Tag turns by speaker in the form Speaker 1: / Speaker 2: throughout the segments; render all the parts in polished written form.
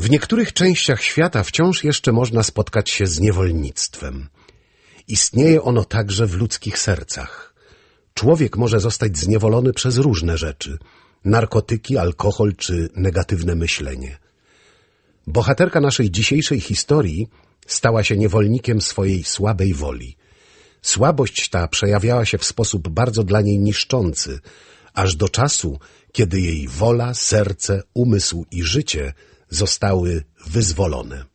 Speaker 1: W niektórych częściach świata wciąż jeszcze można spotkać się z niewolnictwem. Istnieje ono także w ludzkich sercach. Człowiek może zostać zniewolony przez różne rzeczy: narkotyki, alkohol czy negatywne myślenie. Bohaterka naszej dzisiejszej historii stała się niewolnikiem swojej słabej woli. Słabość ta przejawiała się w sposób bardzo dla niej niszczący, aż do czasu, kiedy jej wola, serce, umysł i życie zostały wyzwolone.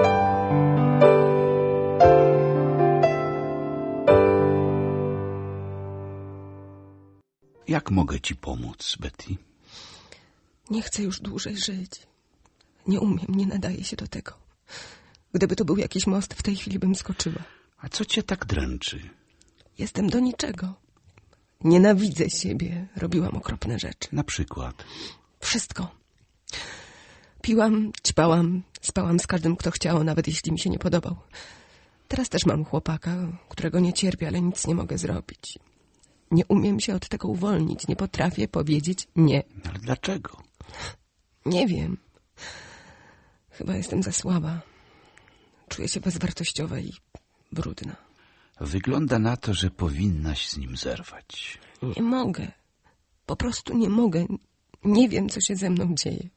Speaker 2: Jak mogę ci pomóc, Betty?
Speaker 3: Nie chcę już dłużej żyć. Nie umiem, nie nadaję się do tego. Gdyby to był jakiś most, w tej chwili bym skoczyła.
Speaker 2: A co cię tak dręczy?
Speaker 3: Jestem do niczego. Nienawidzę siebie. Robiłam okropne rzeczy.
Speaker 2: Na przykład?
Speaker 3: Wszystko. Piłam, ćpałam, spałam z każdym, kto chciał, nawet jeśli mi się nie podobał. Teraz też mam chłopaka, którego nie cierpię, ale nic nie mogę zrobić. Nie umiem się od tego uwolnić. Nie potrafię powiedzieć nie.
Speaker 2: Ale dlaczego?
Speaker 3: Nie wiem. Chyba jestem za słaba. Czuję się bezwartościowa i brudna.
Speaker 2: Wygląda na to, że powinnaś z nim zerwać.
Speaker 3: Nie mogę. Po prostu nie mogę. Nie wiem, co się ze mną dzieje.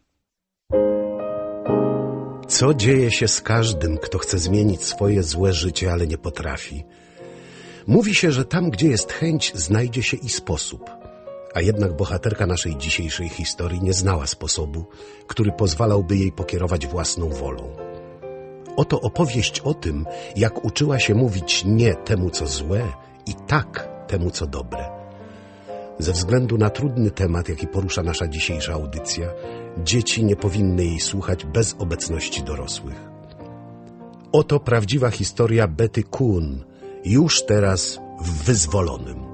Speaker 1: Co dzieje się z każdym, kto chce zmienić swoje złe życie, ale nie potrafi? Mówi się, że tam, gdzie jest chęć, znajdzie się i sposób. A jednak bohaterka naszej dzisiejszej historii nie znała sposobu, który pozwalałby jej pokierować własną wolą. Oto opowieść o tym, jak uczyła się mówić nie temu, co złe, i tak temu, co dobre. Ze względu na trudny temat, jaki porusza nasza dzisiejsza audycja, dzieci nie powinny jej słuchać bez obecności dorosłych. Oto prawdziwa historia Betty Kuhn, już teraz w Wyzwolonym.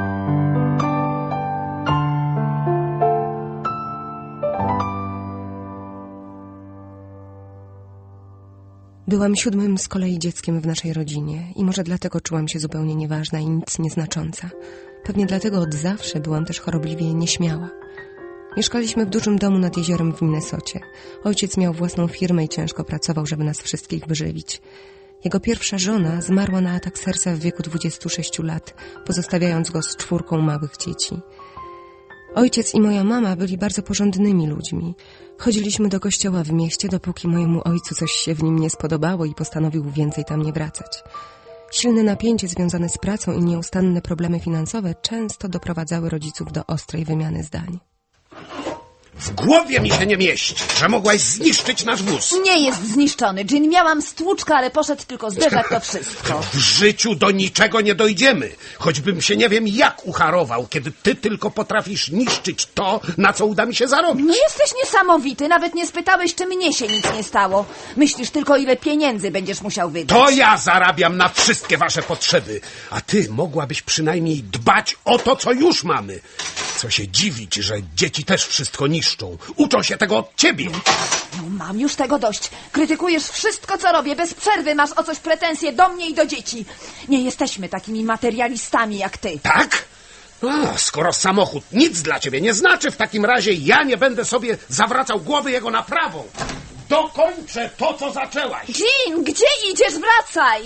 Speaker 3: Byłam 7. z kolei dzieckiem w naszej rodzinie i może dlatego czułam się zupełnie nieważna i nic nieznacząca. Pewnie dlatego od zawsze byłam też chorobliwie nieśmiała. Mieszkaliśmy w dużym domu nad jeziorem w Minnesocie. Ojciec miał własną firmę i ciężko pracował, żeby nas wszystkich wyżywić. Jego pierwsza żona zmarła na atak serca w wieku 26 lat, pozostawiając go z 4 małych dzieci. Ojciec i moja mama byli bardzo porządnymi ludźmi. Chodziliśmy do kościoła w mieście, dopóki mojemu ojcu coś się w nim nie spodobało i postanowił więcej tam nie wracać. Silne napięcie związane z pracą i nieustanne problemy finansowe często doprowadzały rodziców do ostrej wymiany zdań.
Speaker 1: W głowie mi się nie mieści, że mogłaś zniszczyć nasz wóz.
Speaker 4: Nie jest zniszczony, Jean. Miałam stłuczkę, ale poszedł tylko zderzak, to wszystko.
Speaker 1: W życiu do niczego nie dojdziemy. Choćbym się nie wiem jak ucharował, kiedy ty tylko potrafisz niszczyć to, na co uda mi się zarobić.
Speaker 4: No jesteś niesamowity. Nawet nie spytałeś, czy mnie się nic nie stało. Myślisz tylko, ile pieniędzy będziesz musiał wydać.
Speaker 1: To ja zarabiam na wszystkie wasze potrzeby. A ty mogłabyś przynajmniej dbać o to, co już mamy. Co się dziwić, że dzieci też wszystko niszczą. Uczą się tego od ciebie.
Speaker 4: No mam już tego dość. Krytykujesz wszystko, co robię. Bez przerwy masz o coś pretensje do mnie i do dzieci. Nie jesteśmy takimi materialistami jak ty.
Speaker 1: Tak? Skoro samochód nic dla ciebie nie znaczy, w takim razie ja nie będę sobie zawracał głowy jego naprawą. Dokończę to, co zaczęłaś.
Speaker 4: Jean, gdzie idziesz? Wracaj!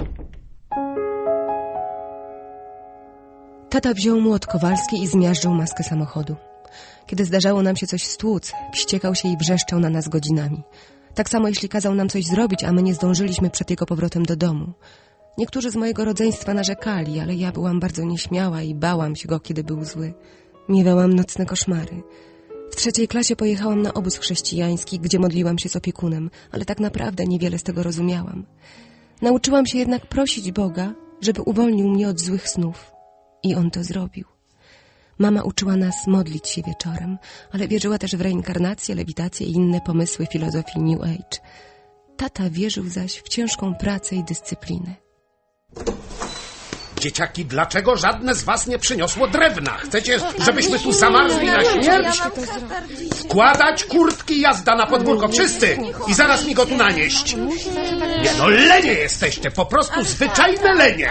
Speaker 3: Tata wziął młot kowalski i zmiażdżył maskę samochodu. Kiedy zdarzało nam się coś stłuc, wściekał się i wrzeszczał na nas godzinami. Tak samo jeśli kazał nam coś zrobić, a my nie zdążyliśmy przed jego powrotem do domu. Niektórzy z mojego rodzeństwa narzekali, ale ja byłam bardzo nieśmiała i bałam się go, kiedy był zły. Miewałam nocne koszmary. W 3. klasie pojechałam na obóz chrześcijański, gdzie modliłam się z opiekunem, ale tak naprawdę niewiele z tego rozumiałam. Nauczyłam się jednak prosić Boga, żeby uwolnił mnie od złych snów. I on to zrobił. Mama uczyła nas modlić się wieczorem, ale wierzyła też w reinkarnację, lewitację i inne pomysły filozofii New Age. Tata wierzył zaś w ciężką pracę i dyscyplinę.
Speaker 1: Dzieciaki, dlaczego żadne z was nie przyniosło drewna? Chcecie, żebyśmy tu zamarzli na śmierć? Składać kurtki, jazda na podwórko, wszyscy! I zaraz mi go tu nanieść. Nie no, lenie jesteście, po prostu zwyczajne lenie.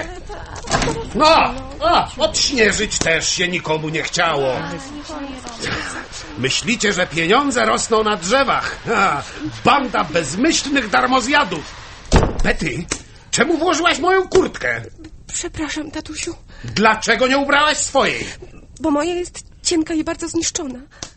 Speaker 1: Odśnieżyć też się nikomu nie chciało. Myślicie, że pieniądze rosną na drzewach? Ha, banda bezmyślnych darmozjadów! Betty, czemu włożyłaś moją kurtkę?
Speaker 3: Przepraszam, tatusiu,
Speaker 1: Dlaczego nie ubrałaś swojej?
Speaker 3: bo moja jest cienka i bardzo zniszczona.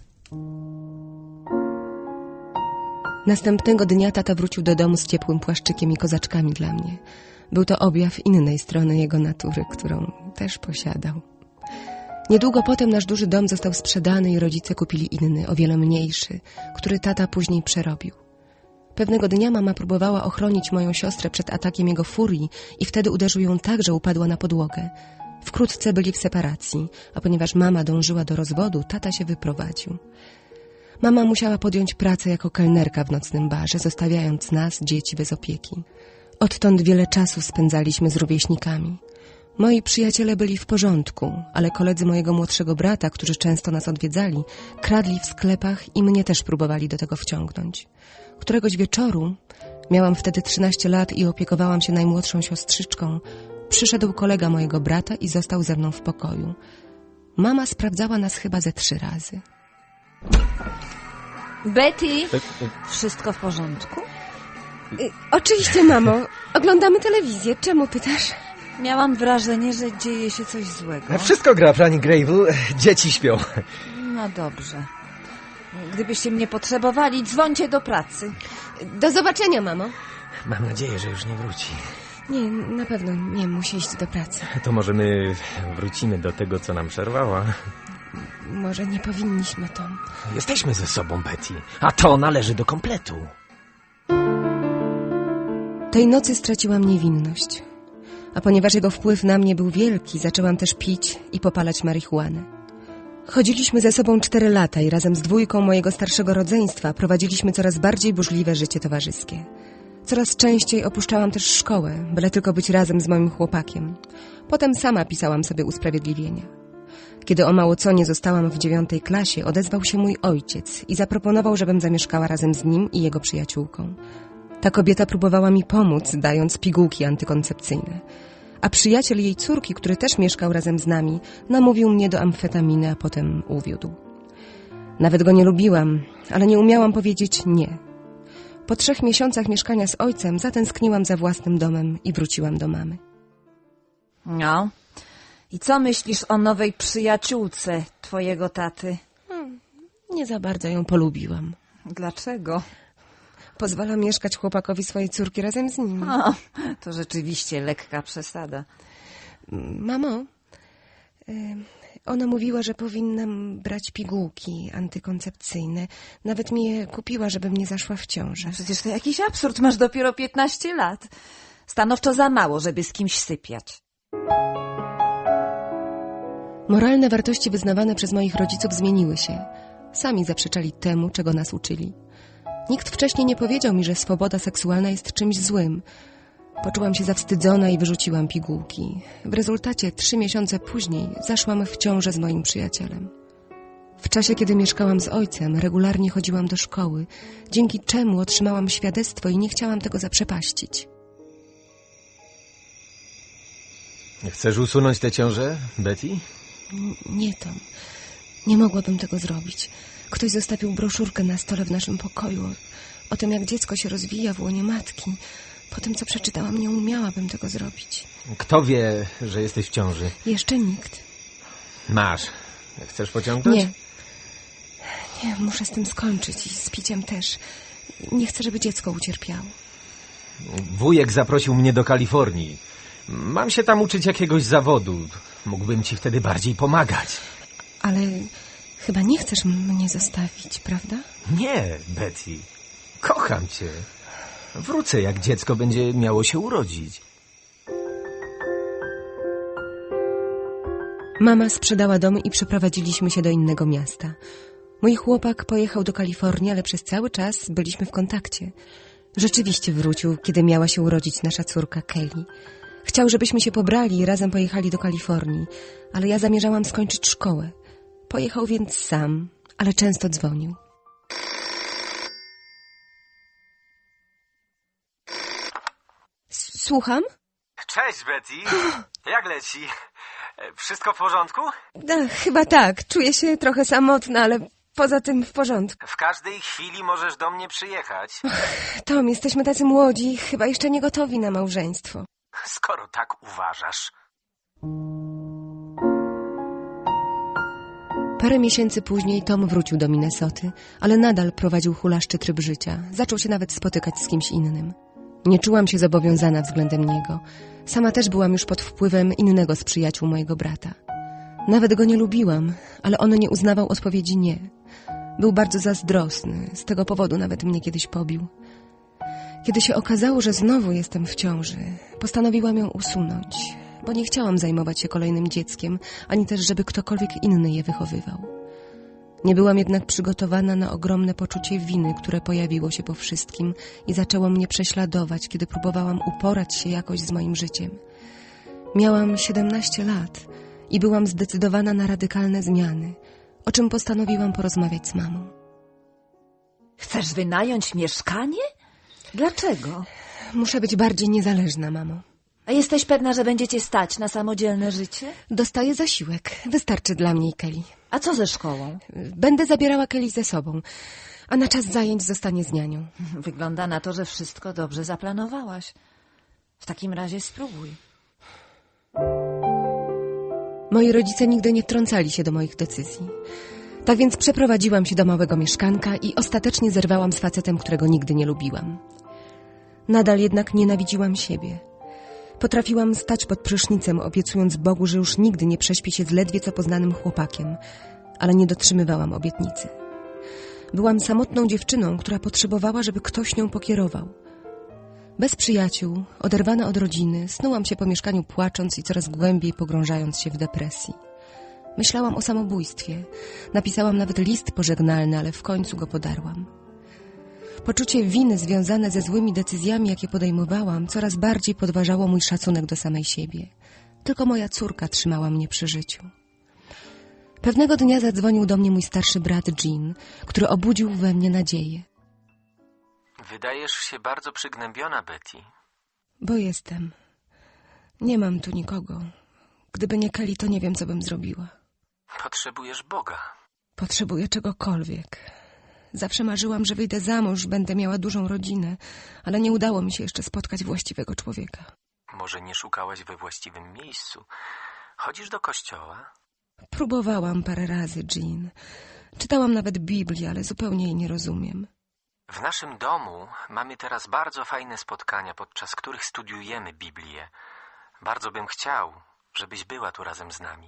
Speaker 3: Następnego dnia tata wrócił do domu z ciepłym płaszczykiem i kozaczkami dla mnie. Był to objaw innej strony jego natury, którą też posiadał. Niedługo potem nasz duży dom został sprzedany i rodzice kupili inny, o wiele mniejszy, który tata później przerobił. Pewnego dnia mama próbowała ochronić moją siostrę przed atakiem jego furii i wtedy uderzył ją tak, że upadła na podłogę. Wkrótce byli w separacji, a ponieważ mama dążyła do rozwodu, tata się wyprowadził. Mama musiała podjąć pracę jako kelnerka w nocnym barze, zostawiając nas, dzieci, bez opieki. Odtąd wiele czasu spędzaliśmy z rówieśnikami. Moi przyjaciele byli w porządku, ale koledzy mojego młodszego brata, którzy często nas odwiedzali, kradli w sklepach i mnie też próbowali do tego wciągnąć. Któregoś wieczoru, miałam wtedy 13 lat i opiekowałam się najmłodszą siostrzyczką, przyszedł kolega mojego brata i został ze mną w pokoju. Mama sprawdzała nas chyba ze 3 razy.
Speaker 4: Betty, wszystko w porządku?
Speaker 3: Oczywiście, mamo. Oglądamy telewizję. Czemu pytasz?
Speaker 4: Miałam wrażenie, że dzieje się coś złego.
Speaker 5: Wszystko gra, pani Grable. Dzieci śpią.
Speaker 4: No dobrze. Gdybyście mnie potrzebowali, dzwońcie do pracy.
Speaker 3: Do zobaczenia, mamo.
Speaker 5: Mam nadzieję, że już nie wróci.
Speaker 3: Nie, na pewno nie musi iść do pracy.
Speaker 5: To może my wrócimy do tego, co nam przerwała.
Speaker 3: Może nie powinniśmy, Tom.
Speaker 5: Jesteśmy ze sobą, Betty. A to należy do kompletu.
Speaker 3: Tej nocy straciłam niewinność. A ponieważ jego wpływ na mnie był wielki, zaczęłam też pić i popalać marihuanę. Chodziliśmy ze sobą 4 lata i razem z dwójką mojego starszego rodzeństwa prowadziliśmy coraz bardziej burzliwe życie towarzyskie. Coraz częściej opuszczałam też szkołę, byle tylko być razem z moim chłopakiem. Potem sama pisałam sobie usprawiedliwienia. Kiedy o mało co nie zostałam w 9. klasie, odezwał się mój ojciec i zaproponował, żebym zamieszkała razem z nim i jego przyjaciółką. Ta kobieta próbowała mi pomóc, dając pigułki antykoncepcyjne. A przyjaciel jej córki, który też mieszkał razem z nami, namówił mnie do amfetaminy, a potem uwiódł. Nawet go nie lubiłam, ale nie umiałam powiedzieć nie. Po 3 miesiącach mieszkania z ojcem zatęskniłam za własnym domem i wróciłam do mamy.
Speaker 4: No. I co myślisz o nowej przyjaciółce twojego taty?
Speaker 3: Nie za bardzo ją polubiłam.
Speaker 4: Dlaczego?
Speaker 3: Pozwala mieszkać chłopakowi swojej córki razem z nim.
Speaker 4: O, to rzeczywiście lekka przesada.
Speaker 3: Mamo, ona mówiła, że powinnam brać pigułki antykoncepcyjne. Nawet mi je kupiła, żebym nie zaszła w ciążę.
Speaker 4: Przecież to jakiś absurd, masz dopiero 15 lat. Stanowczo za mało, żeby z kimś sypiać.
Speaker 3: Moralne wartości wyznawane przez moich rodziców zmieniły się. Sami zaprzeczali temu, czego nas uczyli. Nikt wcześniej nie powiedział mi, że swoboda seksualna jest czymś złym. Poczułam się zawstydzona i wyrzuciłam pigułki. W rezultacie 3 miesiące później zaszłam w ciążę z moim przyjacielem. W czasie, kiedy mieszkałam z ojcem, regularnie chodziłam do szkoły, dzięki czemu otrzymałam świadectwo i nie chciałam tego zaprzepaścić.
Speaker 5: Chcesz usunąć tę ciążę, Betty?
Speaker 3: Nie, Tom. Nie mogłabym tego zrobić. Ktoś zostawił broszurkę na stole w naszym pokoju o tym, jak dziecko się rozwija w łonie matki. Po tym, co przeczytałam, nie umiałabym tego zrobić.
Speaker 5: Kto wie, że jesteś w ciąży?
Speaker 3: Jeszcze nikt.
Speaker 5: Masz. Chcesz pociągnąć?
Speaker 3: Nie, muszę z tym skończyć i z piciem też. Nie chcę, żeby dziecko ucierpiało.
Speaker 5: Wujek zaprosił mnie do Kalifornii. Mam się tam uczyć jakiegoś zawodu. Mógłbym ci wtedy bardziej pomagać.
Speaker 3: Ale chyba nie chcesz mnie zostawić, prawda?
Speaker 5: Nie, Betty. Kocham cię. Wrócę, jak dziecko będzie miało się urodzić.
Speaker 3: Mama sprzedała dom i przeprowadziliśmy się do innego miasta. Mój chłopak pojechał do Kalifornii, ale przez cały czas byliśmy w kontakcie. Rzeczywiście wrócił, kiedy miała się urodzić nasza córka Kelly. Chciał, żebyśmy się pobrali i razem pojechali do Kalifornii, ale ja zamierzałam skończyć szkołę. Pojechał więc sam, ale często dzwonił. Słucham?
Speaker 5: Cześć, Betty. Jak leci? Wszystko w porządku?
Speaker 3: Chyba tak. Czuję się trochę samotna, ale poza tym w porządku.
Speaker 5: W każdej chwili możesz do mnie przyjechać.
Speaker 3: Tom, jesteśmy tacy młodzi, chyba jeszcze nie gotowi na małżeństwo.
Speaker 5: Skoro tak uważasz.
Speaker 3: Parę miesięcy później Tom wrócił do Minnesoty, ale nadal prowadził hulaszczy tryb życia. Zaczął się nawet spotykać z kimś innym. Nie czułam się zobowiązana względem niego. Sama też byłam już pod wpływem innego z przyjaciół mojego brata. Nawet go nie lubiłam, ale on nie uznawał odpowiedzi nie. Był bardzo zazdrosny, z tego powodu nawet mnie kiedyś pobił. Kiedy się okazało, że znowu jestem w ciąży, postanowiłam ją usunąć, bo nie chciałam zajmować się kolejnym dzieckiem, ani też, żeby ktokolwiek inny je wychowywał. Nie byłam jednak przygotowana na ogromne poczucie winy, które pojawiło się po wszystkim i zaczęło mnie prześladować, kiedy próbowałam uporać się jakoś z moim życiem. Miałam 17 lat i byłam zdecydowana na radykalne zmiany, o czym postanowiłam porozmawiać z mamą.
Speaker 4: Chcesz wynająć mieszkanie? Dlaczego?
Speaker 3: Muszę być bardziej niezależna, mamo.
Speaker 4: A jesteś pewna, że będziecie stać na samodzielne życie?
Speaker 3: Dostaję zasiłek. Wystarczy dla mnie i Kelly.
Speaker 4: A co ze szkołą?
Speaker 3: Będę zabierała Kelly ze sobą, a na czas zajęć zostanie z nianią.
Speaker 4: Wygląda na to, że wszystko dobrze zaplanowałaś. W takim razie spróbuj.
Speaker 3: Moi rodzice nigdy nie wtrącali się do moich decyzji. Tak więc przeprowadziłam się do małego mieszkanka i ostatecznie zerwałam z facetem, którego nigdy nie lubiłam. Nadal jednak nienawidziłam siebie. Potrafiłam stać pod prysznicem, obiecując Bogu, że już nigdy nie prześpię się z ledwie co poznanym chłopakiem, ale nie dotrzymywałam obietnicy. Byłam samotną dziewczyną, która potrzebowała, żeby ktoś nią pokierował. Bez przyjaciół, oderwana od rodziny, snułam się po mieszkaniu płacząc i coraz głębiej pogrążając się w depresji. Myślałam o samobójstwie. Napisałam nawet list pożegnalny, ale w końcu go podarłam. Poczucie winy związane ze złymi decyzjami, jakie podejmowałam, coraz bardziej podważało mój szacunek do samej siebie. Tylko moja córka trzymała mnie przy życiu. Pewnego dnia zadzwonił do mnie mój starszy brat Jean, który obudził we mnie nadzieję.
Speaker 5: Wydajesz się bardzo przygnębiona, Betty.
Speaker 3: Bo jestem. Nie mam tu nikogo. Gdyby nie Kelly, to nie wiem, co bym zrobiła.
Speaker 5: Potrzebujesz Boga.
Speaker 3: Potrzebuję czegokolwiek. Zawsze marzyłam, że wyjdę za mąż, będę miała dużą rodzinę, ale nie udało mi się jeszcze spotkać właściwego człowieka.
Speaker 5: Może nie szukałaś we właściwym miejscu. Chodzisz do kościoła?
Speaker 3: Próbowałam parę razy, Jean. Czytałam nawet Biblię, ale zupełnie jej nie rozumiem.
Speaker 5: W naszym domu mamy teraz bardzo fajne spotkania, podczas których studiujemy Biblię. Bardzo bym chciał, żebyś była tu razem z nami.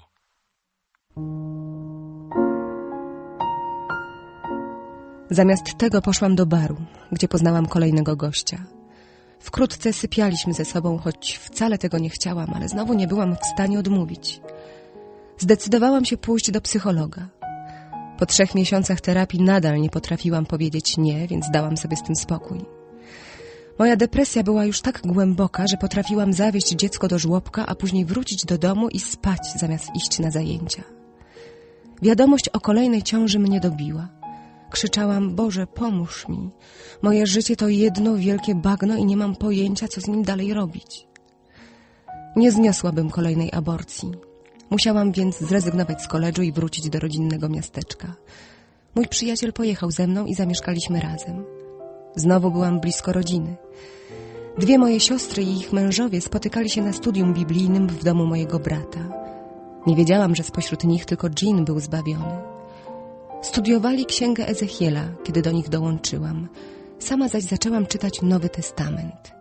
Speaker 3: Zamiast tego poszłam do baru, gdzie poznałam kolejnego gościa. Wkrótce sypialiśmy ze sobą, choć wcale tego nie chciałam, ale znowu nie byłam w stanie odmówić. Zdecydowałam się pójść do psychologa. Po 3 miesiącach terapii nadal nie potrafiłam powiedzieć nie, więc dałam sobie z tym spokój. Moja depresja była już tak głęboka, że potrafiłam zawieźć dziecko do żłobka, a później wrócić do domu i spać zamiast iść na zajęcia. Wiadomość o kolejnej ciąży mnie dobiła. Krzyczałam: Boże, pomóż mi. Moje życie to jedno wielkie bagno i nie mam pojęcia, co z nim dalej robić. Nie zniosłabym kolejnej aborcji. Musiałam więc zrezygnować z koledżu i wrócić do rodzinnego miasteczka. Mój przyjaciel pojechał ze mną i zamieszkaliśmy razem. Znowu byłam blisko rodziny. 2 moje siostry i ich mężowie spotykali się na studium biblijnym w domu mojego brata. Nie wiedziałam, że spośród nich tylko Jean był zbawiony. Studiowali księgę Ezechiela, kiedy do nich dołączyłam. Sama zaś zaczęłam czytać Nowy Testament.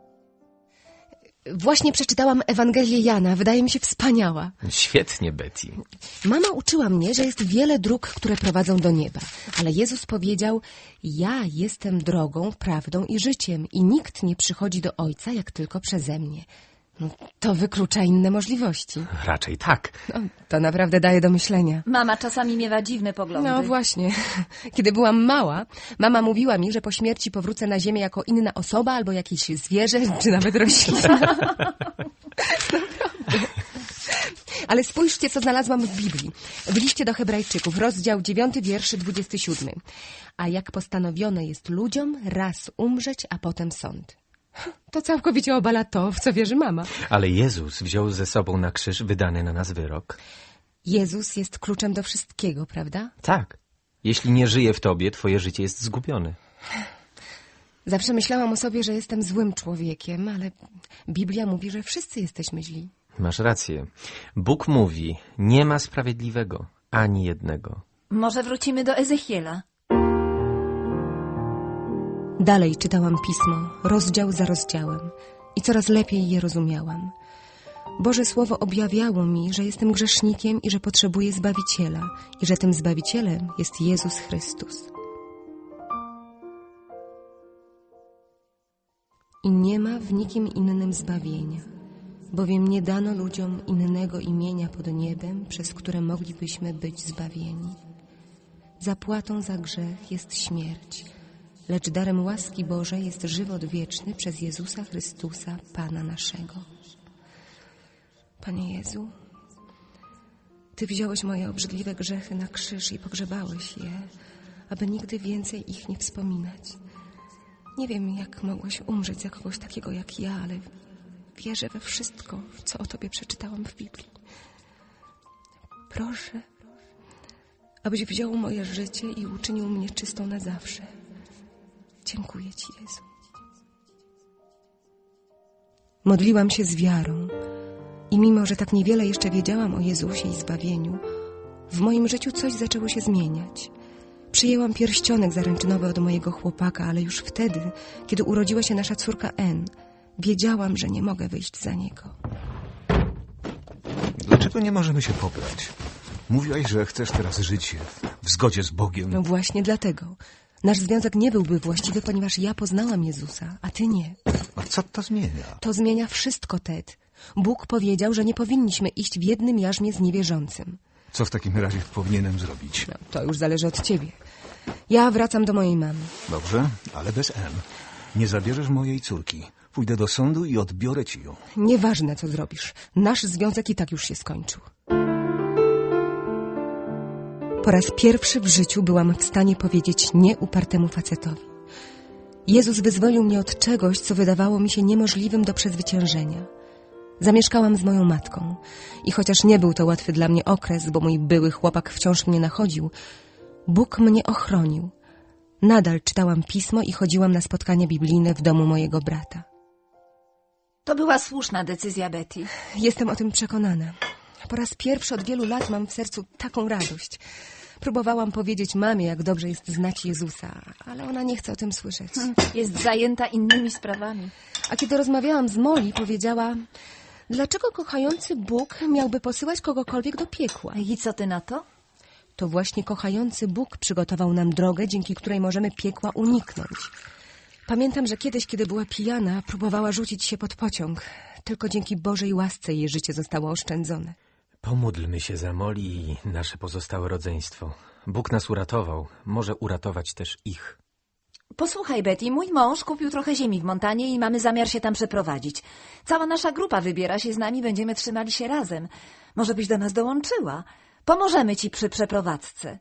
Speaker 3: Właśnie przeczytałam Ewangelię Jana. Wydaje mi się wspaniała.
Speaker 5: Świetnie, Betty.
Speaker 3: Mama uczyła mnie, że jest wiele dróg, które prowadzą do nieba. Ale Jezus powiedział: ja jestem drogą, prawdą i życiem i nikt nie przychodzi do Ojca, jak tylko przeze mnie. No, to wyklucza inne możliwości.
Speaker 5: Raczej tak.
Speaker 3: No, to naprawdę daje do myślenia.
Speaker 4: Mama czasami miewa dziwne poglądy.
Speaker 3: No właśnie. Kiedy byłam mała, mama mówiła mi, że po śmierci powrócę na ziemię jako inna osoba albo jakieś zwierzę, czy nawet roślina. Naprawdę. Ale spójrzcie, co znalazłam w Biblii. W liście do Hebrajczyków, rozdział 9, wiersz 27. A jak postanowione jest ludziom raz umrzeć, a potem sąd. To całkowicie obala to, w co wierzy mama.
Speaker 5: Ale Jezus wziął ze sobą na krzyż wydany na nas wyrok.
Speaker 3: Jezus jest kluczem do wszystkiego, prawda?
Speaker 5: Tak. Jeśli nie żyje w tobie, twoje życie jest zgubione.
Speaker 3: Zawsze myślałam o sobie, że jestem złym człowiekiem, ale Biblia mówi, że wszyscy jesteśmy źli.
Speaker 5: Masz rację. Bóg mówi, nie ma sprawiedliwego, ani jednego.
Speaker 4: Może wrócimy do Ezechiela.
Speaker 3: Dalej czytałam pismo, rozdział za rozdziałem i coraz lepiej je rozumiałam. Boże Słowo objawiało mi, że jestem grzesznikiem i że potrzebuję Zbawiciela i że tym Zbawicielem jest Jezus Chrystus. I nie ma w nikim innym zbawienia, bowiem nie dano ludziom innego imienia pod niebem, przez które moglibyśmy być zbawieni. Zapłatą za grzech jest śmierć, lecz darem łaski Bożej jest żywot wieczny przez Jezusa Chrystusa, Pana naszego. Panie Jezu, Ty wziąłeś moje obrzydliwe grzechy na krzyż i pogrzebałeś je, aby nigdy więcej ich nie wspominać. Nie wiem, jak mogłeś umrzeć za kogoś takiego jak ja, ale wierzę we wszystko, co o Tobie przeczytałam w Biblii. Proszę, abyś wziął moje życie i uczynił mnie czystą na zawsze. Dziękuję Ci, Jezu. Modliłam się z wiarą i mimo, że tak niewiele jeszcze wiedziałam o Jezusie i zbawieniu, w moim życiu coś zaczęło się zmieniać. Przyjęłam pierścionek zaręczynowy od mojego chłopaka, ale już wtedy, kiedy urodziła się nasza córka Ann, wiedziałam, że nie mogę wyjść za niego.
Speaker 6: Dlaczego nie możemy się pobrać? Mówiłaś, że chcesz teraz żyć w zgodzie z Bogiem.
Speaker 3: No właśnie dlatego. Nasz związek nie byłby właściwy, ponieważ ja poznałam Jezusa, a ty nie.
Speaker 6: A co to zmienia?
Speaker 3: To zmienia wszystko, Ted. Bóg powiedział, że nie powinniśmy iść w jednym jarzmie z niewierzącym.
Speaker 6: Co w takim razie powinienem zrobić?
Speaker 3: No, to już zależy od ciebie. Ja wracam do mojej mamy.
Speaker 6: Dobrze, ale bez M. Nie zabierzesz mojej córki. Pójdę do sądu i odbiorę ci ją.
Speaker 3: Nieważne, co zrobisz. Nasz związek i tak już się skończył. Po raz pierwszy w życiu byłam w stanie powiedzieć nie upartemu facetowi. Jezus wyzwolił mnie od czegoś, co wydawało mi się niemożliwym do przezwyciężenia. Zamieszkałam z moją matką i chociaż nie był to łatwy dla mnie okres, bo mój były chłopak wciąż mnie nachodził, Bóg mnie ochronił. Nadal czytałam pismo i chodziłam na spotkania biblijne w domu mojego brata.
Speaker 4: To była słuszna decyzja, Betty.
Speaker 3: Jestem o tym przekonana. Po raz pierwszy od wielu lat mam w sercu taką radość. Próbowałam powiedzieć mamie, jak dobrze jest znać Jezusa, ale ona nie chce o tym słyszeć.
Speaker 4: Jest zajęta innymi sprawami.
Speaker 3: A kiedy rozmawiałam z Molly, powiedziała, dlaczego kochający Bóg miałby posyłać kogokolwiek do piekła?
Speaker 4: I co ty na to?
Speaker 3: To właśnie kochający Bóg przygotował nam drogę, dzięki której możemy piekła uniknąć. Pamiętam, że kiedyś, kiedy była pijana, próbowała rzucić się pod pociąg. Tylko dzięki Bożej łasce jej życie zostało oszczędzone.
Speaker 5: Pomódlmy się za Molly i nasze pozostałe rodzeństwo. Bóg nas uratował, może uratować też ich.
Speaker 4: Posłuchaj, Betty, mój mąż kupił trochę ziemi w Montanie i mamy zamiar się tam przeprowadzić. Cała nasza grupa wybiera się z nami, będziemy trzymali się razem. Może byś do nas dołączyła? Pomożemy ci przy przeprowadzce.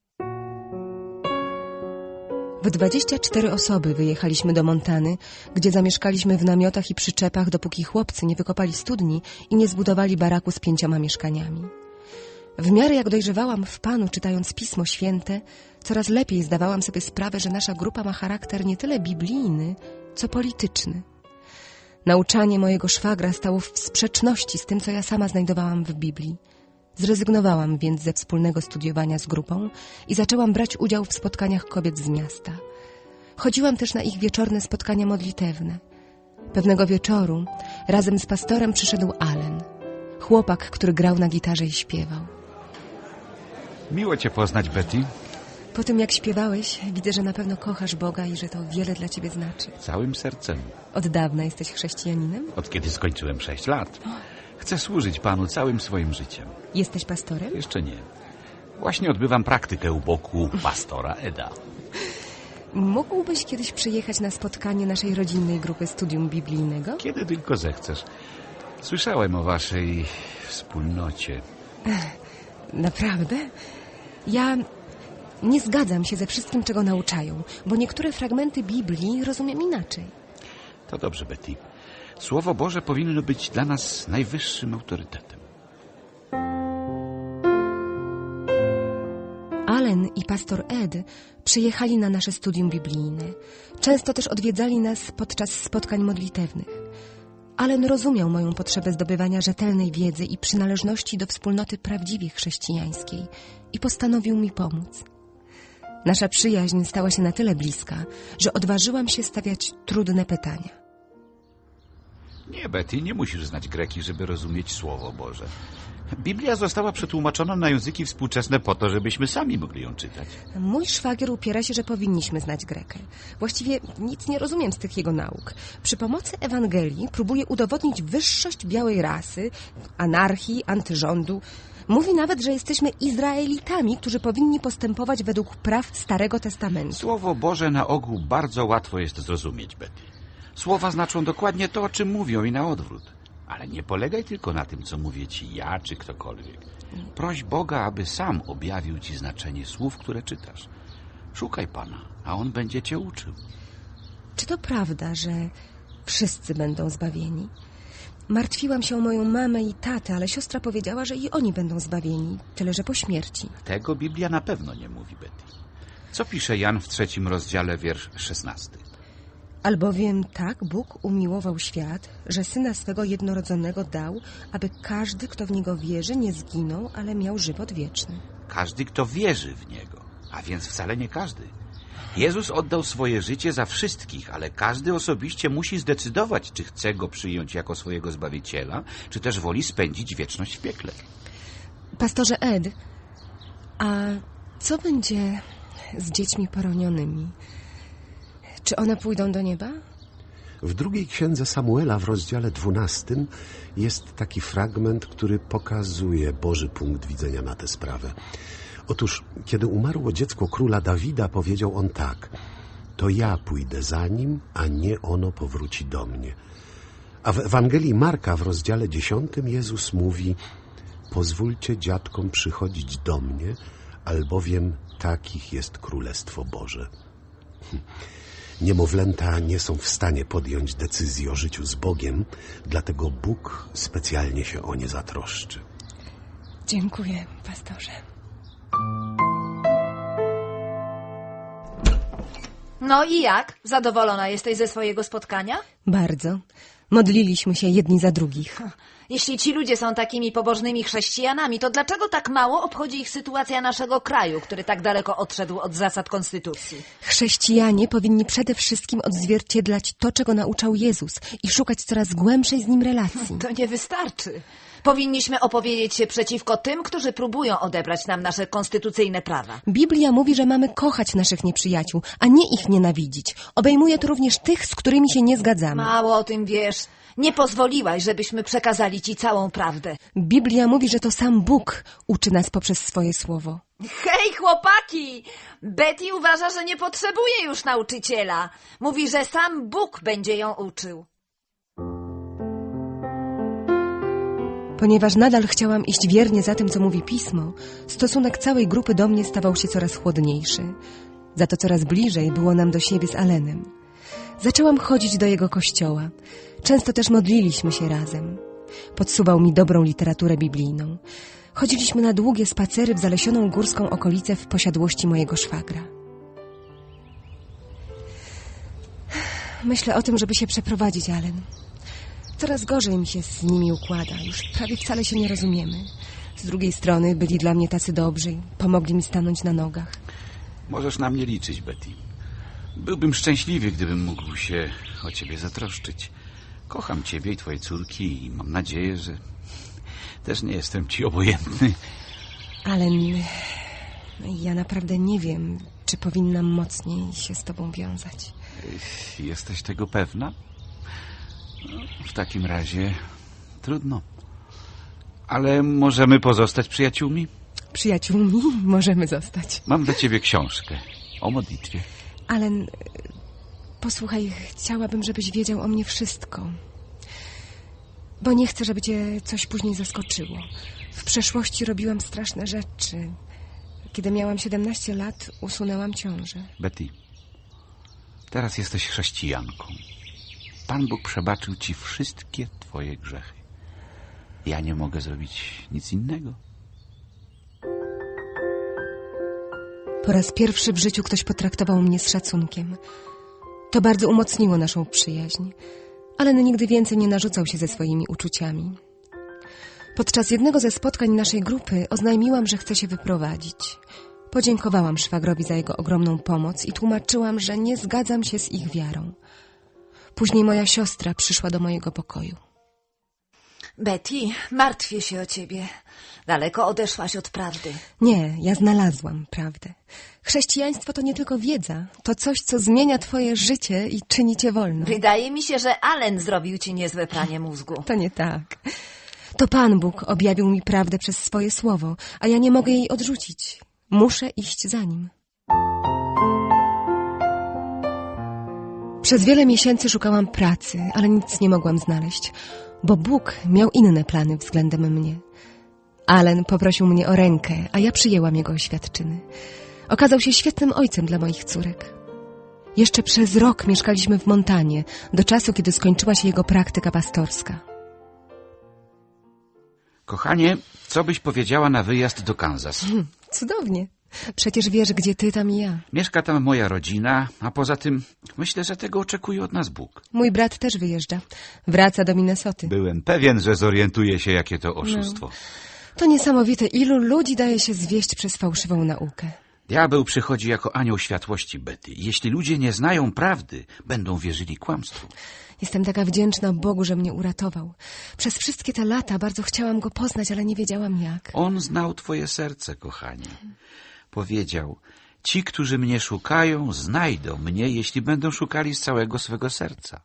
Speaker 3: W 24 osoby wyjechaliśmy do Montany, gdzie zamieszkaliśmy w namiotach i przyczepach, dopóki chłopcy nie wykopali studni i nie zbudowali baraku z 5 mieszkaniami. W miarę jak dojrzewałam w Panu, czytając Pismo Święte, coraz lepiej zdawałam sobie sprawę, że nasza grupa ma charakter nie tyle biblijny, co polityczny. Nauczanie mojego szwagra stało w sprzeczności z tym, co ja sama znajdowałam w Biblii. Zrezygnowałam więc ze wspólnego studiowania z grupą i zaczęłam brać udział w spotkaniach kobiet z miasta. Chodziłam też na ich wieczorne spotkania modlitewne. Pewnego wieczoru razem z pastorem przyszedł Allen, chłopak, który grał na gitarze i śpiewał.
Speaker 7: Miło cię poznać, Betty.
Speaker 3: Po tym, jak śpiewałeś, widzę, że na pewno kochasz Boga i że to wiele dla ciebie znaczy.
Speaker 7: Całym sercem.
Speaker 3: Od dawna jesteś chrześcijaninem?
Speaker 7: Od kiedy skończyłem 6 lat. Chcę służyć Panu całym swoim życiem.
Speaker 3: Jesteś pastorem?
Speaker 7: Jeszcze nie. Właśnie odbywam praktykę u boku pastora Eda.
Speaker 3: Mógłbyś kiedyś przyjechać na spotkanie naszej rodzinnej grupy studium biblijnego?
Speaker 7: Kiedy tylko zechcesz. Słyszałem o waszej wspólnocie.
Speaker 3: Naprawdę? Ja nie zgadzam się ze wszystkim, czego nauczają, bo niektóre fragmenty Biblii rozumiem inaczej.
Speaker 7: To dobrze, Betty. Słowo Boże powinno być dla nas najwyższym autorytetem.
Speaker 3: Allen Ann i pastor Ed przyjechali na nasze studium biblijne. Często też odwiedzali nas podczas spotkań modlitewnych. Allen rozumiał moją potrzebę zdobywania rzetelnej wiedzy i przynależności do wspólnoty prawdziwie chrześcijańskiej i postanowił mi pomóc. Nasza przyjaźń stała się na tyle bliska, że odważyłam się stawiać trudne pytania.
Speaker 7: Nie, Betty, nie musisz znać greki, żeby rozumieć Słowo Boże. Biblia została przetłumaczona na języki współczesne po to, żebyśmy sami mogli ją czytać.
Speaker 3: Mój szwagier upiera się, że powinniśmy znać Grekę. Właściwie nic nie rozumiem z tych jego nauk. Przy pomocy Ewangelii próbuje udowodnić wyższość białej rasy, anarchii, antyrządu. Mówi nawet, że jesteśmy Izraelitami, którzy powinni postępować według praw Starego Testamentu.
Speaker 7: Słowo Boże na ogół bardzo łatwo jest zrozumieć, Betty. Słowa znaczą dokładnie to, o czym mówią i na odwrót. Ale nie polegaj tylko na tym, co mówię ci ja czy ktokolwiek. Proś Boga, aby sam objawił ci znaczenie słów, które czytasz. Szukaj Pana, a On będzie cię uczył.
Speaker 3: Czy to prawda, że wszyscy będą zbawieni? Martwiłam się o moją mamę i tatę, ale siostra powiedziała, że i oni będą zbawieni, tyle że po śmierci.
Speaker 7: Tego Biblia na pewno nie mówi, Betty. Co pisze Jan w 3 rozdziale, wiersz 16?
Speaker 3: Albowiem tak Bóg umiłował świat, że Syna swego jednorodzonego dał, aby każdy, kto w Niego wierzy, nie zginął, ale miał żywot wieczny.
Speaker 7: Każdy, kto wierzy w Niego, a więc wcale nie każdy. Jezus oddał swoje życie za wszystkich, ale każdy osobiście musi zdecydować, czy chce Go przyjąć jako swojego Zbawiciela, czy też woli spędzić wieczność w piekle.
Speaker 3: Pastorze Ed, a co będzie z dziećmi poronionymi? Czy one pójdą do nieba?
Speaker 1: W drugiej księdze Samuela w rozdziale 12 jest taki fragment, który pokazuje Boży punkt widzenia na tę sprawę. Otóż, kiedy umarło dziecko króla Dawida, powiedział on tak: to ja pójdę za nim, a nie ono powróci do mnie. A w Ewangelii Marka w rozdziale 10 Jezus mówi: pozwólcie dziadkom przychodzić do mnie, albowiem takich jest Królestwo Boże. Niemowlęta nie są w stanie podjąć decyzji o życiu z Bogiem, dlatego Bóg specjalnie się o nie zatroszczy.
Speaker 3: Dziękuję, pastorze.
Speaker 4: No i jak? Zadowolona jesteś ze swojego spotkania?
Speaker 3: Bardzo. Modliliśmy się jedni za drugich.
Speaker 4: Jeśli ci ludzie są takimi pobożnymi chrześcijanami, to dlaczego tak mało obchodzi ich sytuacja naszego kraju, który tak daleko odszedł od zasad konstytucji?
Speaker 3: Chrześcijanie powinni przede wszystkim odzwierciedlać to, czego nauczał Jezus i szukać coraz głębszej z Nim relacji.
Speaker 4: To nie wystarczy. Powinniśmy opowiedzieć się przeciwko tym, którzy próbują odebrać nam nasze konstytucyjne prawa.
Speaker 3: Biblia mówi, że mamy kochać naszych nieprzyjaciół, a nie ich nienawidzić. Obejmuje to również tych, z którymi się nie zgadzamy.
Speaker 4: Mało o tym wiesz. Nie pozwoliłaś, żebyśmy przekazali ci całą prawdę.
Speaker 3: Biblia mówi, że to sam Bóg uczy nas poprzez swoje słowo.
Speaker 4: Hej, chłopaki! Betty uważa, że nie potrzebuje już nauczyciela. Mówi, że sam Bóg będzie ją uczył.
Speaker 3: Ponieważ nadal chciałam iść wiernie za tym, co mówi Pismo, stosunek całej grupy do mnie stawał się coraz chłodniejszy. Za to coraz bliżej było nam do siebie z Allenem. Zaczęłam chodzić do jego kościoła. Często też modliliśmy się razem. Podsuwał mi dobrą literaturę biblijną. Chodziliśmy na długie spacery w zalesioną górską okolicę w posiadłości mojego szwagra. Myślę o tym, żeby się przeprowadzić, Allen. Coraz gorzej mi się z nimi układa. Już prawie wcale się nie rozumiemy. Z drugiej strony byli dla mnie tacy dobrzy i pomogli mi stanąć na nogach.
Speaker 7: Możesz na mnie liczyć, Betty. Byłbym szczęśliwy, gdybym mógł się o ciebie zatroszczyć. Kocham ciebie i twoje córki i mam nadzieję, że też nie jestem ci obojętny.
Speaker 3: Allen, ja naprawdę nie wiem, czy powinnam mocniej się z tobą wiązać.
Speaker 7: Jesteś tego pewna? No, w takim razie trudno. Ale możemy pozostać przyjaciółmi?
Speaker 3: Przyjaciółmi możemy zostać.
Speaker 7: Mam dla ciebie książkę o modlitwie.
Speaker 3: Allen, posłuchaj, chciałabym, żebyś wiedział o mnie wszystko. Bo nie chcę, żeby cię coś później zaskoczyło. W przeszłości robiłam straszne rzeczy. Kiedy miałam 17 lat, usunęłam ciążę.
Speaker 7: Betty, teraz jesteś chrześcijanką. Pan Bóg przebaczył ci wszystkie twoje grzechy. Ja nie mogę zrobić nic innego.
Speaker 3: Po raz pierwszy w życiu ktoś potraktował mnie z szacunkiem. To bardzo umocniło naszą przyjaźń. Alan nigdy więcej nie narzucał się ze swoimi uczuciami. Podczas jednego ze spotkań naszej grupy oznajmiłam, że chcę się wyprowadzić. Podziękowałam szwagrowi za jego ogromną pomoc i tłumaczyłam, że nie zgadzam się z ich wiarą. Później moja siostra przyszła do mojego pokoju.
Speaker 4: Betty, martwię się o ciebie. Daleko odeszłaś od prawdy.
Speaker 3: Nie, ja znalazłam prawdę. Chrześcijaństwo to nie tylko wiedza, to coś, co zmienia twoje życie i czyni cię wolną.
Speaker 4: Wydaje mi się, że Alan zrobił ci niezłe pranie mózgu.
Speaker 3: To nie tak. To Pan Bóg objawił mi prawdę przez swoje słowo, a ja nie mogę jej odrzucić. Muszę iść za nim. Przez wiele miesięcy szukałam pracy, ale nic nie mogłam znaleźć, bo Bóg miał inne plany względem mnie. Alan poprosił mnie o rękę, a ja przyjęłam jego oświadczyny. Okazał się świetnym ojcem dla moich córek. Jeszcze przez rok mieszkaliśmy w Montanie, do czasu, kiedy skończyła się jego praktyka pastorska.
Speaker 7: Kochanie, co byś powiedziała na wyjazd do Kansas?
Speaker 3: Cudownie. Przecież wiesz, gdzie ty, tam i ja.
Speaker 7: Mieszka tam moja rodzina, a poza tym myślę, że tego oczekuje od nas Bóg.
Speaker 3: Mój brat też wyjeżdża. Wraca do Minnesoty.
Speaker 7: Byłem pewien, że zorientuje się, jakie to oszustwo.
Speaker 3: No. To niesamowite, ilu ludzi daje się zwieść przez fałszywą naukę.
Speaker 7: Diabeł przychodzi jako anioł światłości, Betty. Jeśli ludzie nie znają prawdy, będą wierzyli kłamstwu.
Speaker 3: Jestem taka wdzięczna Bogu, że mnie uratował. Przez wszystkie te lata bardzo chciałam go poznać, ale nie wiedziałam jak.
Speaker 7: On znał twoje serce, kochanie. Powiedział, ci, którzy mnie szukają, znajdą mnie, jeśli będą szukali z całego swego serca.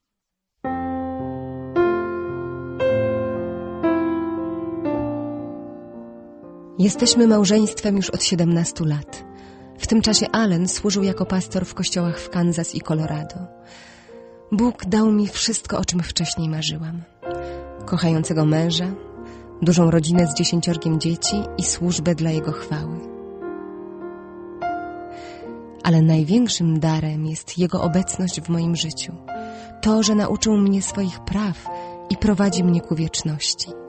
Speaker 3: Jesteśmy małżeństwem już od 17 lat. W tym czasie Alan służył jako pastor w kościołach w Kansas i Colorado. Bóg dał mi wszystko, o czym wcześniej marzyłam. Kochającego męża, dużą rodzinę z 10 dzieci i służbę dla Jego chwały. Ale największym darem jest Jego obecność w moim życiu. To, że nauczył mnie swoich praw i prowadzi mnie ku wieczności.